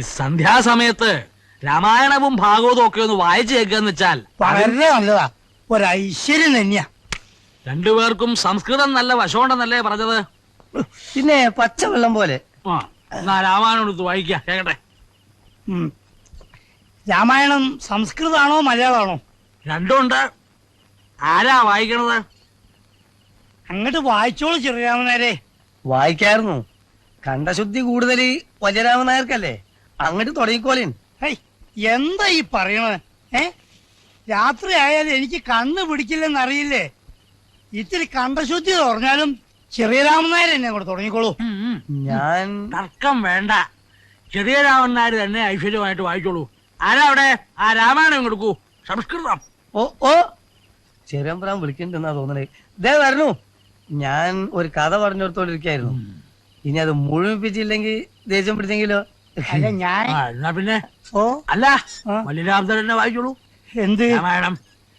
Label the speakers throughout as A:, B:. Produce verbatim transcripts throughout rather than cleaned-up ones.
A: സന്ധ്യാസമയത്ത് രാമായണവും ഭാഗവതവും ഒക്കെ ഒന്ന് വായിച്ചു കേൾക്കാന്ന് വെച്ചാൽ
B: വളരെ നല്ലതാ, ഒരു ഐശ്വര്യം തന്നെയാ.
A: രണ്ടുപേർക്കും സംസ്കൃതം നല്ല വശമുണ്ടെന്നല്ലേ പറഞ്ഞത്?
B: പിന്നെ പച്ചവെള്ളം പോലെ.
A: ആ എന്നാ രാമായണം എടുത്ത് വായിക്കാം, കേക്കട്ടെ.
B: രാമായണം സംസ്കൃതാണോ മലയാളമാണോ?
A: രണ്ടുണ്ട്. ആരാ വായിക്കണത്?
B: അങ്ങോട്ട് വായിച്ചോളൂ ചെറിയാമനാരെ.
C: വായിക്കായിരുന്നു. കണ്ടശുദ്ധി കൂടുതൽ വജരാമൻ നായർക്കല്ലേ, അങ്ങോട്ട് തുടങ്ങിക്കോളീൻ.
B: ഹൈ, എന്താ ഈ പറയണത്? ഏ രാത്രി ആയാലും എനിക്ക് കണ്ണ് പിടിക്കില്ലെന്ന് അറിയില്ലേ? ഇത്തിരി കണ്ടശുദ്ധി പറഞ്ഞാലും ചെറിയ രാമനായർ എന്നെ കൂടെ തുടങ്ങിക്കോളൂ.
C: ഞാൻ
A: തർക്കം വേണ്ട, ചെറിയ രാമനായർ തന്നെ ഐശ്വര്യമായിട്ട് വായിച്ചോളൂ. ആരാ അവിടെ? ആ രാമായണം കൊടുക്കൂ, സംസ്കൃതം.
C: ഓ ഓ ചെറിയമ്പറാൻ വിളിക്കണ്ടെന്നാ തോന്നണേ. ഇതേ വരണു. ഞാൻ ഒരു കഥ പറഞ്ഞോടത്തോണ്ടിരിക്കായിരുന്നു. ഇനി അത് മുഴുമിപ്പിച്ചില്ലെങ്കിൽ ദേഷ്യം പിടിച്ചെങ്കിലോ?
B: അല്ല ഞാൻ
A: എന്നാ പിന്നെ
B: ഓ
A: അല്ല മല്ലിരാമൻ തന്നെ വായിച്ചോളൂ
B: എന്ത്
A: രാമായണം.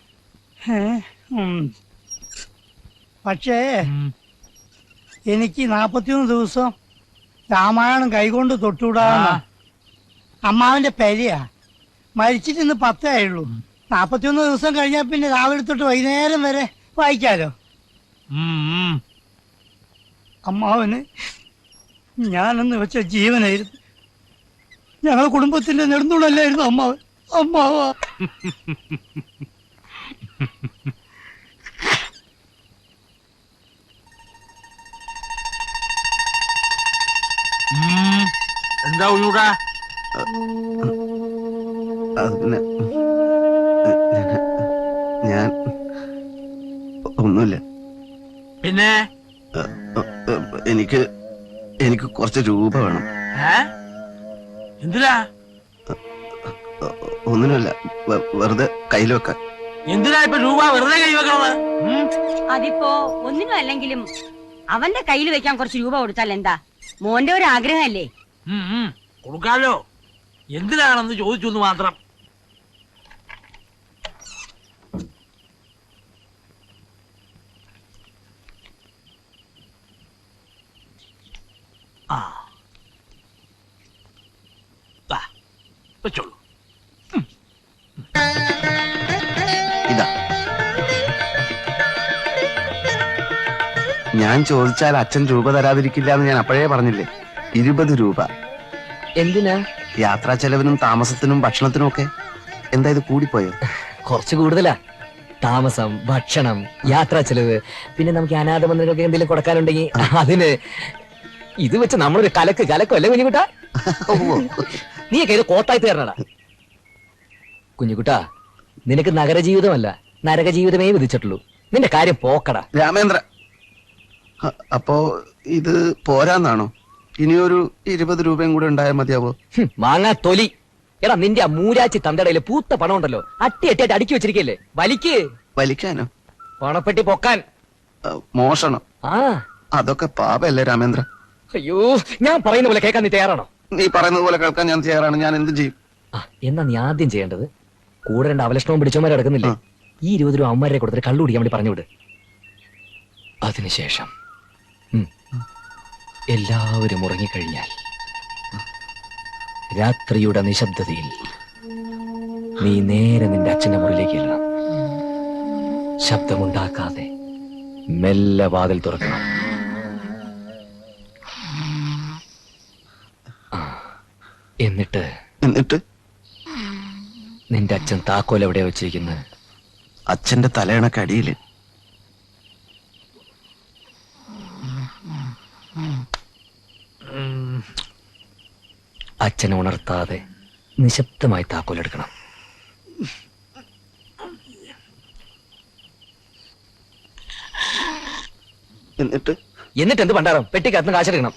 B: പക്ഷേ എനിക്ക് നാപ്പത്തിയൊന്ന് ദിവസം രാമായണം കൈകൊണ്ട് തൊട്ടുവിടാന്ന അമ്മാവിന്റെ പെരിയാ. മരിച്ചിട്ട് ഇന്ന് പത്തേ ആയുള്ളൂ. നാപ്പത്തിയൊന്ന് ദിവസം കഴിഞ്ഞാൽ പിന്നെ രാവിലെ തൊട്ട് വൈകുന്നേരം വരെ വായിക്കാലോ. അമ്മാവന് ഞാനെന്ന് വെച്ച ജീവനായിരുന്നു. ഞങ്ങളെ കുടുംബത്തിന്റെ നെടുന്തൂണല്ലായിരുന്നു അമ്മാവൻ. അമ്മാവാ
A: എന്താ ഉള്ളൂടാ?
D: ഞാൻ ഒന്നുമില്ല.
A: പിന്നെ
D: എനിക്ക് എനിക്ക് കുറച്ച് രൂപ വേണം.
A: എന്തിനാ?
D: ഒന്നിനുമല്ല, വെറുതെ കയ്യിൽ വെക്കാൻ.
A: എന്തിനാ ഇപ്പൊ രൂപ വെറുതെ കൈ വെക്കണത്?
E: അതിപ്പോ ഒന്നിനും അല്ലെങ്കിലും അവന്റെ കയ്യിൽ വെക്കാൻ കുറച്ച് രൂപ കൊടുത്താൽ എന്താ? മോന്റെ ഒരു ആഗ്രഹമല്ലേ?
A: കൊടുക്കാലോ, എന്തിനാണെന്ന് ചോദിച്ചു മാത്രം. ആ വെച്ചോളൂ.
D: ഇതാ, ഞാൻ ചോദിച്ചാൽ അച്ഛൻ രൂപ തരാതിരിക്കില്ല എന്ന് ഞാൻ അപ്പോഴേ പറഞ്ഞില്ലേ. ഇരുപത് രൂപ.
F: എന്തിനാ?
D: യാത്രാ ചെലവിനും താമസത്തിനും ഭക്ഷണത്തിനും ഒക്കെ. എന്താ ഇത് കൂടിപ്പോയോ?
F: കുറച്ച് കൂടുതലാ. താമസം, ഭക്ഷണം, യാത്രാ ചെലവ്, പിന്നെ നമുക്ക് അനാഥ മന്ദിരങ്ങൾക്ക് എന്തെങ്കിലും കൊടുക്കാനുണ്ടെങ്കിൽ അതിന്. ഇത് വെച്ച് നമ്മളൊരു കലക്ക് കലക്കോ അല്ലേ കുഞ്ഞുകുട്ടാ? നീയൊക്കെ ഇത് കോത്തായി തീർന്നടാ കുഞ്ഞുകുട്ടാ. നിനക്ക് നഗരജീവിതമല്ല നരകജീവിതമേ വിധിച്ചിട്ടുള്ളൂ. നിന്റെ കാര്യം പോക്കടാ.
D: രാമേന്ദ്ര, അപ്പോ ഇത് പോരാന്നാണോ? ഇനിയൊരു ഇരുപത് രൂപയും കൂടെ ഉണ്ടായാൽ മതിയാവോ?
F: മാങ്ങാ തൊലി. എടാ നിന്റെ ആ മൂരാച്ചി തന്തടയില് പൂത്ത പണം ഉണ്ടല്ലോ, അട്ടി അട്ടിയായിട്ട് അടുക്കി വെച്ചിരിക്കല്ലേ. വലിക്ക്.
D: വലിക്കാനോ?
F: പണപ്പെട്ടി പൊക്കാൻ.
D: മോഷണം?
F: ആ
D: അതൊക്കെ പാപല്ലേ രാമേന്ദ്ര?
F: അയ്യോ, ഞാൻ പറയുന്ന പോലെ കേൾക്കാൻ നീ തയ്യാറാണോ?
D: നീ പറയുന്നത് പോലെ കേൾക്കാൻ ഞാൻ തയ്യാറാണ്. ഞാൻ എന്ത് ചെയ്യും?
F: ആ എന്നാ നീ ആദ്യം ചെയ്യേണ്ടത്, കൂടെ രണ്ട് അവലക്ഷണവും പിടിച്ചവന്മാരെ കിടക്കുന്നില്ലേ, ഈ ഇരുപത് രൂപ അമ്മമാരെ കൊടുത്തിട്ട് കള്ളു കുടിക്കാൻ വേണ്ടി പറഞ്ഞുവിട്. അതിനുശേഷം എല്ലാവരും ഉറങ്ങിക്കഴിഞ്ഞാൽ രാത്രിയുടെ നിശബ്ദതയിൽ നീ നേരെ നിന്റെ അച്ഛന്റെ മുറിയിലേക്ക് ചെല്ലണം. ശബ്ദമുണ്ടാക്കാതെ മെല്ലെ വാതിൽ തുറക്കണം. എന്നിട്ട്
D: എന്നിട്ട്
F: നിന്റെ അച്ഛൻ താക്കോൽ എവിടെയാ വെച്ചിരിക്കുന്നത്?
D: അച്ഛന്റെ തലയണക്കടിയില്.
F: അച്ഛനെ ഉണർത്താതെ നിശബ്ദമായി താക്കോലെടുക്കണം.
D: എന്നിട്ട്
F: എന്നിട്ട് എന്ത് പണ്ടാരം? പെട്ടിക്കകത്ത് കാശെടുക്കണം.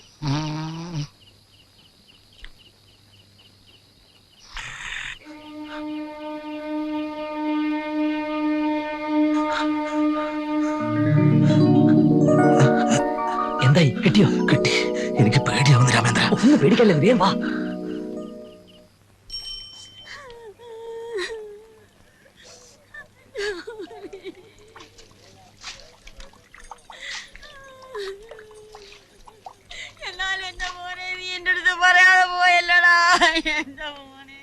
F: എന്തായി? കിട്ടിയോ?
D: കിട്ടി. എനിക്ക് പേടിയാവുന്നു രാമേന്ദ്ര.
F: ഒന്ന് പേടിക്കല്ലേ, വേഗം വാ.
E: എന്നാൽ എന്റെ മോനെ നീ എന്റെ അടുത്ത് പറയാതെ പോയല്ലടാ. എന്റെ മോനെ.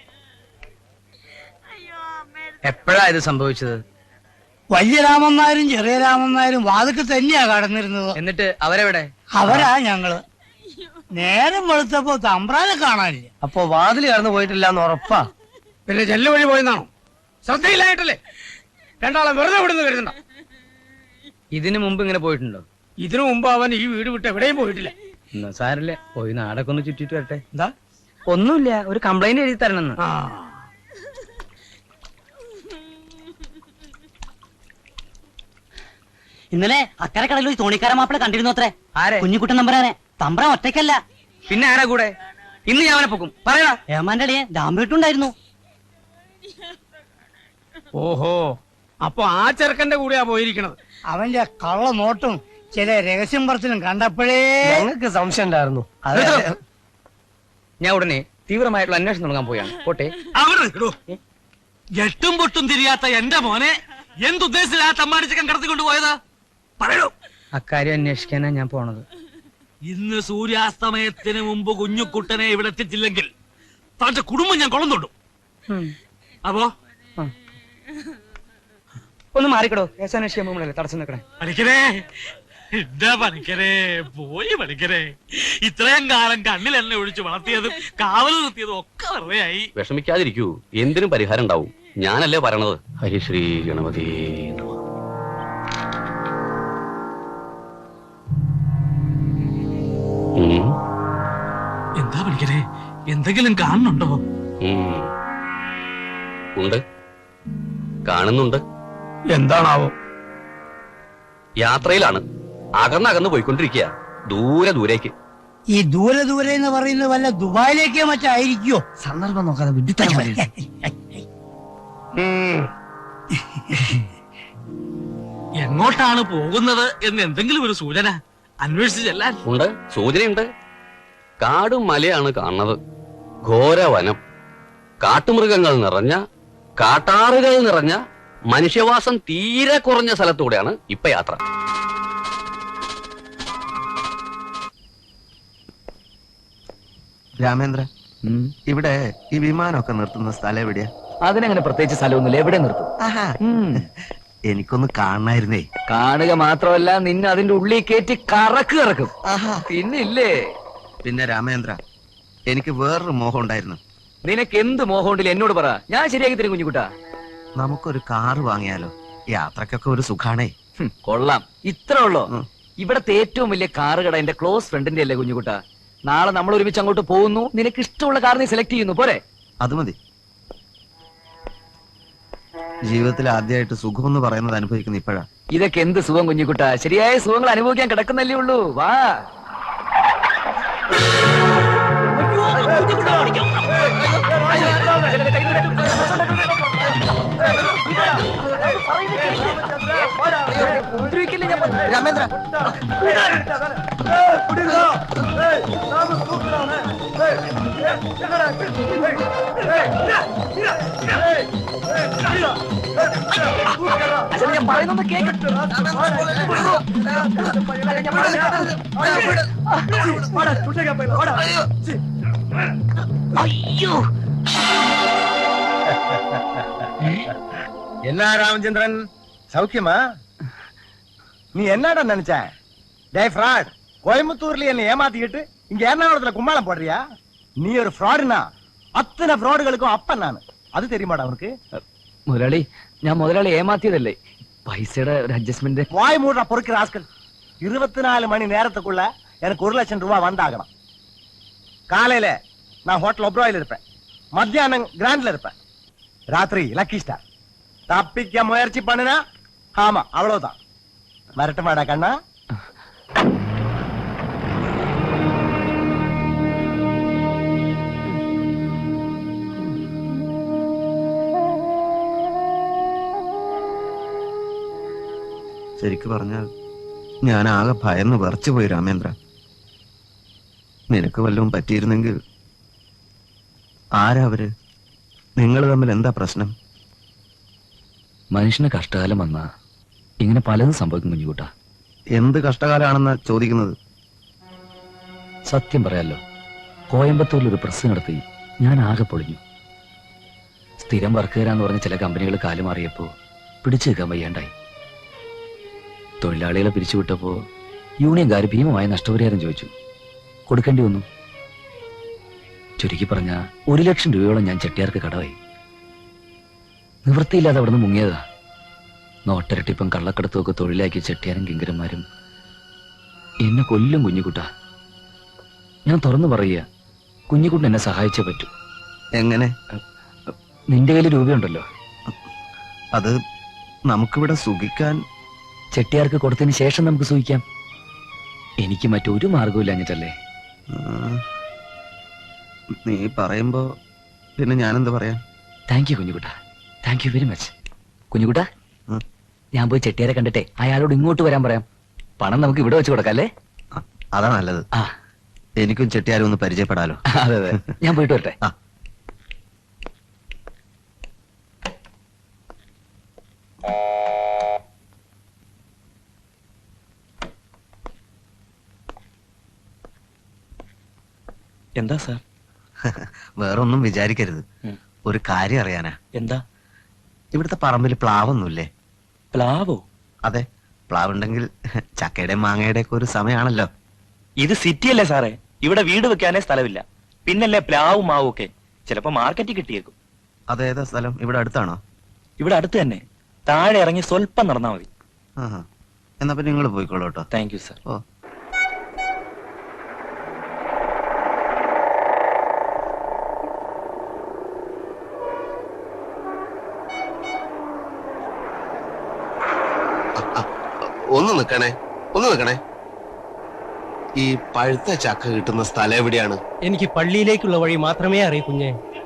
E: അയ്യോ അമ്മേ.
C: എപ്പോഴാ ഇത് സംഭവിച്ചത്?
B: വലിയ രാമൻ നായരും ചെറിയ രാമൻ നായരും വാതിക്ക് തന്നെയാ കടന്നിരുന്നത്.
C: എന്നിട്ട് അവരെവിടെ?
B: അവരാ ഞങ്ങള്. നേരം വെളുത്തപ്പോ തമ്പ്രാനെ കാണാനില്ല.
C: അപ്പൊ വാതിൽ കടന്നു പോയിട്ടില്ല എന്ന് ഉറപ്പാ?
A: പിന്നെ ജെല്ല് വഴി പോയെന്നാണോ? ശ്രദ്ധയില്ലായിട്ടല്ലേ? രണ്ടാളെ വെറുതെ വിടുന്നു കരുതണ്ട.
C: ഇതിനു മുമ്പ് ഇങ്ങനെ പോയിട്ടുണ്ടോ?
A: ഇതിനു മുമ്പ് അവൻ ഈ വീട് വിട്ട് എവിടെയും പോയിട്ടില്ല.
C: എന്നാ സാരല്ലേ, പോയി നാടൊക്കെ ഒന്ന് ചുറ്റിട്ട് വരട്ടെ.
A: എന്താ?
C: ഒന്നുമില്ല, ഒരു കംപ്ലൈന്റ് എഴുതി തരണം.
A: ആ
G: ഇന്നലെ അക്കരെ കടലിൽ ഒരു തോണിക്കാര മാപ്പിള കണ്ടിരുന്നു അത്രേ.
C: ആരെ?
G: കുഞ്ഞിക്കുട്ടൻ തമ്പുരാനെ. തമ്പ്രാൻ ഒറ്റയ്ക്കല്ല,
C: പിന്നെ ആരാ കൂടെ? ഇന്ന് ഞാൻ അവനെ പൊക്കും. പറയടാ.
G: ഏമാന്റെ അടിയെ ദാമ്പേട്ടുണ്ടായിരുന്നു.
A: ഓഹോ, അപ്പൊ ആ ചെറുക്കന്റെ കൂടെയാ പോയിരിക്കണത്.
B: അവന്റെ കള്ള നോട്ടും ചില രഹസ്യം പറച്ചിലും കണ്ടപ്പോഴേ
C: ഞങ്ങൾക്ക് സംശയം ഉണ്ടായിരുന്നു. ഞാൻ ഉടനെ തീവ്രമായിട്ടുള്ള അന്വേഷണം തുടങ്ങാൻ പോയാണ്. പോട്ടെ.
A: അവിടെ നിൽക്കണോ? എട്ടും പൊട്ടും തിരിയാത്ത എന്റെ മോനെ എന്തുദ്ദേശിച്ചാ തമ്മാടിച്ചക്കൻ കടത്തിക്കൊണ്ട് പോയത്? പറയൂ.
C: അക്കാര്യം അന്വേഷിക്കാനാ ഞാൻ പോണത്.
A: ഇന്ന് സൂര്യാസ്തമയത്തിന് മുമ്പ് കുഞ്ഞുകുട്ടനെ ഇവിടെ എത്തിച്ചില്ലെങ്കിൽ തന്റെ കുടുംബം ഞാൻ കൊളം തൊടും. അപ്പോ
C: ഒന്ന് മാറിക്കടോ. കേസന്വേഷിക്കാൻ പോകുമ്പോഴല്ലേ തടസ്സം നിൽക്കണേ.
A: പണിക്കരേ, എന്താ പണിക്കരേ, പോയി പണിക്കരേ. ഇത്രയും കാലം കണ്ണിൽ എണ്ണ ഒഴിച്ച് വളർത്തിയതും കാവൽ നിർത്തിയതും ഒക്കെ വെറുതെ ആയി.
H: വിഷമിക്കാതിരിക്കൂ, എന്തിനും പരിഹാരം ഉണ്ടാവും. ഞാനല്ലേ പറയണത്. ഹരിശ്രീ ഗണപതി നമഃ. ഉം,
A: എന്താ പണിക്കരേ, എന്തെങ്കിലും കാണുന്നുണ്ടോ?
H: ഉം. ഉണ്ട്, കാണുന്നുണ്ട്.
A: എന്താണാവോ?
H: യാത്രയിലാണ്, അകന്നകന്ന് പോയിക്കൊണ്ടിരിക്കുക, ദൂരെ ദൂരേക്ക്.
B: ഈ ദൂരെ ദൂരെ എന്ന് പറയുന്നത് വല്ല ദുബായിലേക്കോ മറ്റോ ആയിരിക്കോ?
C: സന്ദർഭം നോക്കാതെ വിഡിത്തരം പറയരുത്.
A: എങ്ങോട്ടാണ് പോകുന്നത് എന്ന് എന്തെങ്കിലും ഒരു സൂചന അന്വേഷിച്ച് ചെല്ലാൻ.
H: ഉണ്ട്, സൂചനയുണ്ട്. കാടും മലയാണ് കാണുന്നത്. ഘോരവനം, കാട്ടുമൃഗങ്ങൾ നിറഞ്ഞ, കാട്ടാറുകൾ നിറഞ്ഞ, മനുഷ്യവാസം തീരെ കുറഞ്ഞ സ്ഥലത്തൂടെയാണ് ഇപ്പൊ യാത്ര.
D: രാമേന്ദ്ര, ഇവിടെ ഈ വിമാനമൊക്കെ നിർത്തുന്ന സ്ഥലം എവിടെയാ?
F: അതിനങ്ങനെ പ്രത്യേകിച്ച് സ്ഥലമൊന്നുമില്ല, എവിടെ നിർത്തും.
D: ആഹാ, എനിക്കൊന്ന് കാണായിരുന്നേ.
F: കാണുക മാത്രമല്ല, നിന്നെ അതിന്റെ ഉള്ളിൽ കയറ്റി കറക്ക് കറക്കും.
D: ആഹാ.
F: പിന്നില്ലേ?
D: പിന്നെ രാമേന്ദ്ര, എനിക്ക് വേറൊരു മോഹം ഉണ്ടായിരുന്നു.
F: നിനക്ക് എന്ത് മോഹമുണ്ടില്ല എന്നോട് പറ, ഞാൻ ശരിയാക്കി തരും കുഞ്ഞുകുട്ടാ.
D: നമുക്കൊരു കാറ് വാങ്ങിയാലോ? യാത്രക്കൊക്കെ ഒരു സുഖാണേ.
F: ഹും, കൊള്ളാം. ഇത്ര ഉള്ളോ?
D: ഉം.
F: ഇവിടത്തെ ഏറ്റവും വലിയ കാറ് കട എന്റെ ക്ലോസ് ഫ്രണ്ടിന്റെ അല്ലേ കുഞ്ഞുകുട്ടാ. നാളെ നമ്മൾ ഒരുമിച്ച് അങ്ങോട്ട് പോകുന്നു. നിനക്ക് ഇഷ്ടമുള്ള കാർ നീ സെലക്ട് ചെയ്യുന്നു, പോരെ?
D: അത് മതി. ജീവിതത്തിൽ ആദ്യമായിട്ട് സുഖം എന്ന് പറയുന്നത് അനുഭവിക്കുന്ന ഇപ്പോഴാ.
F: ഇതൊക്കെ എന്ത് സുഖം കുഞ്ഞുകുട്ടാ, ശരിയായ സുഖങ്ങൾ അനുഭവിക്കാൻ കിടക്കുന്നല്ലേ ഉള്ളൂ. വാ.
D: രാമേന്ദ്ര,
F: ഞാൻ പറയുന്നത് കേക്ക്. അയ്യോ,
I: என்ன ராமச்சந்திரன், சௌக்கியமா? நீ என்னடா நினைச்ச? டே ஃப்ராட், கோயம்புத்தூர்ல என்ன ஏமாத்திக்கிட்டு இங்க எர்ணாகுளத்துல கும்மாளம் போடுறியா? நீ ஒரு ஃப்ராடுனா அத்தனை ஃப்ராடுகளுக்கும் அப்பன் நானு. அது தெரியுமாடா உனக்கு?
F: മുതലാളി, ഞാൻ മുതലാളി ഏമാത്തിയതല്ലേ. പൈസയുടെ ഒരു അഡ്ജസ്റ്റ്മെന്റ്.
I: வாய் மூடுற பொறுக்கிற ஆஸ்கள். இருபத்தி நாலு மணி நேரத்துக்குள்ள எனக்கு ஒரு லட்சம் ரூபாய் வந்தாகணும். காலையில நான் ஹோட்டல் ஒப்ராயில் இருப்பேன், மத்தியானம் கிராண்ட்ல இருப்பேன், ராத்திரி லக்கி ஸ்டார். தப்பிக்க முயற்சி பண்ணுனா ஆமா அவ்வளவுதான். வரட்டுமாடா கண்ணா?
D: ശരിക്കു പറഞ്ഞാൽ ഞാൻ ആകെ ഭയന്ന് വിറച്ചുപോയി രാമേന്ദ്ര. നിനക്ക് വല്ലതും പറ്റിയിരുന്നെങ്കിൽ. ആരാ അവര്? നിങ്ങൾ തമ്മിൽ എന്താ പ്രശ്നം?
F: മനുഷ്യന് കഷ്ടകാലം വന്നാ ഇങ്ങനെ പലതും സംഭവിക്കും കുഞ്ഞുകൂട്ടാ.
D: എന്ത് കഷ്ടകാലാണെന്നാ ചോദിക്കുന്നത്?
F: സത്യം പറയാലോ, കോയമ്പത്തൂരിൽ ഒരു പ്രസ് നടത്തി ഞാൻ ആകെ പൊളിഞ്ഞു. സ്ഥിരം വർക്ക് തരാന്ന് പറഞ്ഞ ചില കമ്പനികൾ കാലുമാറിയപ്പോ പിടിച്ചു നിൽക്കാൻ വയ്യാണ്ടായി. തൊഴിലാളികളെ പിരിച്ചുവിട്ടപ്പോ യൂണിയൻകാർ ഭീമമായ നഷ്ടപരിഹാരം ചോദിച്ചു. കൊടുക്കേണ്ടി വന്നു. ചുരുക്കി പറഞ്ഞ ഒരു ലക്ഷം രൂപയോളം ഞാൻ ചെട്ടിയാർക്ക് കടവായി. നിവൃത്തിയില്ലാതെ അവിടെ നിന്ന് മുങ്ങിയതാ. നോട്ടരട്ടിപ്പം കള്ളക്കടത്തും ഒക്കെ തൊഴിലാക്കി ചെട്ടിയാരും കിങ്കരന്മാരും എന്നെ കൊല്ലും. കുഞ്ഞുകുട്ട, ഞാൻ തുറന്നു പറയുക, കുഞ്ഞുകുട്ടൻ എന്നെ സഹായിച്ചേ പറ്റൂ.
D: എങ്ങനെ?
F: നിന്റെ കയ്യിൽ രൂപയുണ്ടല്ലോ,
D: അത് നമുക്കിവിടെ സുഖിക്കാൻ.
F: ചെട്ടിയാർക്ക് കൊടുത്തതിന് ശേഷം നമുക്ക് സൂഹിക്കാം. എനിക്ക് മറ്റൊരു മാർഗവും അഞ്ഞിട്ടല്ലേ.
D: നീ പറയുമ്പോ പിന്നെ ഞാനെന്ത് പറയാം?
F: താങ്ക് യു കുഞ്ഞുകുട്ട, താങ്ക് യു വെരി മച്ച്. കുഞ്ഞുകുട്ട, ഞാൻ പോയി ചെട്ടിയാരെ കണ്ടിട്ടെ അയാളോട് ഇങ്ങോട്ട് വരാൻ പറയാം. പണം നമുക്ക് ഇവിടെ വെച്ച് കൊടുക്കാം അല്ലേ?
D: അതാ നല്ലത്.
F: ആ,
D: എനിക്കും ചെട്ടിയാരും ഒന്ന് പരിചയപ്പെടാലോ.
F: അതെ അതെ, ഞാൻ പോയിട്ട് വരട്ടെ.
D: ആ.
F: എന്താ സാർ?
D: വേറൊന്നും വിചാരിക്കരുത്. ഒരു കാര്യം അറിയാനാ.
F: എന്താ?
D: ഇവിടുത്തെ പറമ്പിൽ പ്ലാവൊന്നുമില്ലേ?
F: പ്ലാവോ?
D: അതെ, പ്ലാവുണ്ടെങ്കിൽ ചക്കയുടെ മാങ്ങയുടെ ഒക്കെ ഒരു സമയമാണല്ലോ.
J: ഇത് സിറ്റി അല്ലേ സാറേ, ഇവിടെ വീട് വെക്കാനേ സ്ഥലമില്ല. പിന്നല്ലേ പ്ലാവും മാവും ഒക്കെ. ചിലപ്പോ മാർക്കറ്റിൽ കിട്ടിയേക്കും.
D: അതേതാ സ്ഥലം? ഇവിടെ അടുത്താണോ?
J: ഇവിടെ അടുത്ത് തന്നെ. താഴെ ഇറങ്ങി സ്വല്പം നടന്നാ മതി.
D: ആഹാ. എന്നാ പിന്നെ നിങ്ങൾ പോയിക്കോളൂ കേട്ടോ.
J: Thank you sir.
D: ഓ, ഒന്ന് നിക്കണേ, ഒന്ന് നിക്കണേ. ഈ പഴുത്ത ചക്ക കിട്ടുന്ന സ്ഥലം എവിടെയാണ്?
C: എനിക്ക് പള്ളിയിലേക്കുള്ള വഴി മാത്രമേ അറിയൂ കുഞ്ഞെ.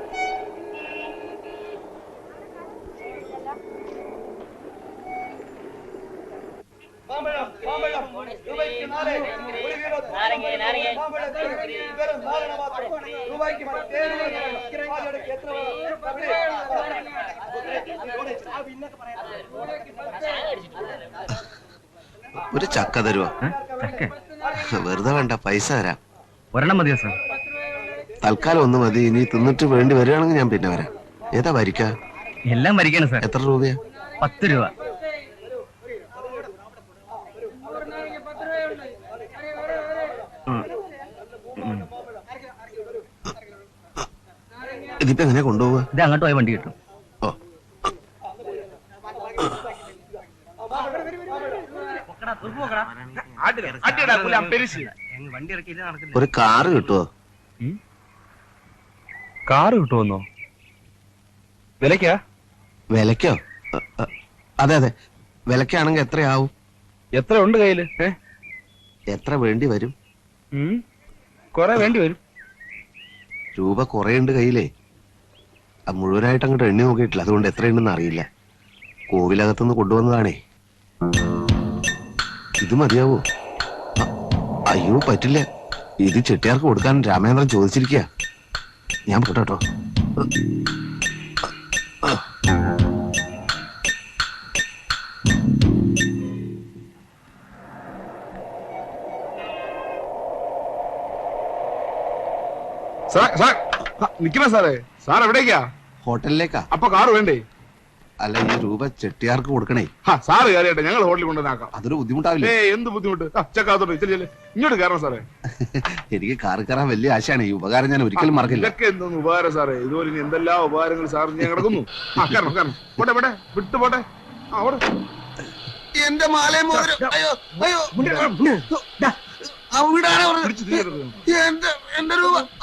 D: ഒരു ചക്ക തരുവോ? വെറുതെ വേണ്ട, പൈസ തരാം.
F: ഒരെണ്ണം മതിയോ സാർ?
D: തൽക്കാലം ഒന്ന് മതി. ഇനി തിന്നിട്ട് വേണ്ടി വരികയാണെങ്കിൽ ഞാൻ പിന്നെ വരാം. ഏതാ വരിക്ക?
F: എല്ലാം വരികയാണ് സാർ.
D: എത്ര രൂപയാ?
F: പത്ത് രൂപ.
D: ഇതിപ്പോ എങ്ങനെ കൊണ്ടുപോവാ?
F: ഇത് അങ്ങോട്ട് പോയ വണ്ടി കിട്ടും.
D: ഓ, ഒരു കാറ് കിട്ടുവോ?
J: കാറ് കിട്ടുമെന്നോ? വിലക്കാ?
D: വിലക്കോ? അതെ അതെ, വിലക്കാണെങ്കിൽ എത്രയാവും?
J: എത്ര ഉണ്ട് കയ്യില്?
D: എത്ര വേണ്ടി വരും?
J: കൊറേ വേണ്ടി വരും.
D: രൂപ കുറെ ഉണ്ട് കയ്യിലേ. അത് മുഴുവനായിട്ട് അങ്ങോട്ട് എണ്ണി നോക്കിയിട്ടില്ല, അതുകൊണ്ട് എത്രയുണ്ടെന്ന് അറിയില്ല. കോവിലകത്തുനിന്ന് കൊണ്ടുവന്നതാണേ. ഇത് മതിയാവോ? അയ്യോ പറ്റില്ല, ഇത് ചെട്ടിയാർക്ക് കൊടുക്കാൻ രാമേന്ദ്രൻ ചോദിച്ചിരിക്കുക. ഞാൻ പോട്ടോ.
K: നിക്കണ സാറേ, സാർ എവിടേക്കാ?
D: ഹോട്ടലിലേക്കാ.
K: അപ്പൊ കാറ് വേണ്ടേ?
D: അല്ല, ഈ രൂപ ചെട്ടിയാർക്ക് കൊടുക്കണേ.
K: സാറ് കയറിയട്ടെ, ഞങ്ങൾ ഹോട്ടലിൽ കൊണ്ടുവന്നാക്കാം.
D: അതൊരു ബുദ്ധിമുട്ടാവില്ലേ?
K: ഏ എന്ത് ബുദ്ധിമുട്ട്? ചെക്കാത്തോട്ടെ, ചെല്ലേ ഇങ്ങോട്ട് കയറണം സാറേ.
D: എനിക്ക് കാറ് കയറാൻ വലിയ ആശയാണ്. ഈ ഉപകാരം ഞാൻ ഒരിക്കലും മറക്കില്ല.
K: ഇതൊക്കെ എന്തൊന്നും ഉപകാരം സാറേ, ഇതുപോലെ ഇനി എന്തെല്ലാം ഉപകാരങ്ങൾ സാറിന് ഞാൻ കിടക്കുന്നു. ആ കയറണം കയറണം. പോട്ടെ പോട്ടെ, വിട്ടു പോട്ടെ. അവിടെ
D: എന്റെ മാലയും മോതിരം. അയ്യോ അയ്യോ, എന്റെ എന്റെ രൂപ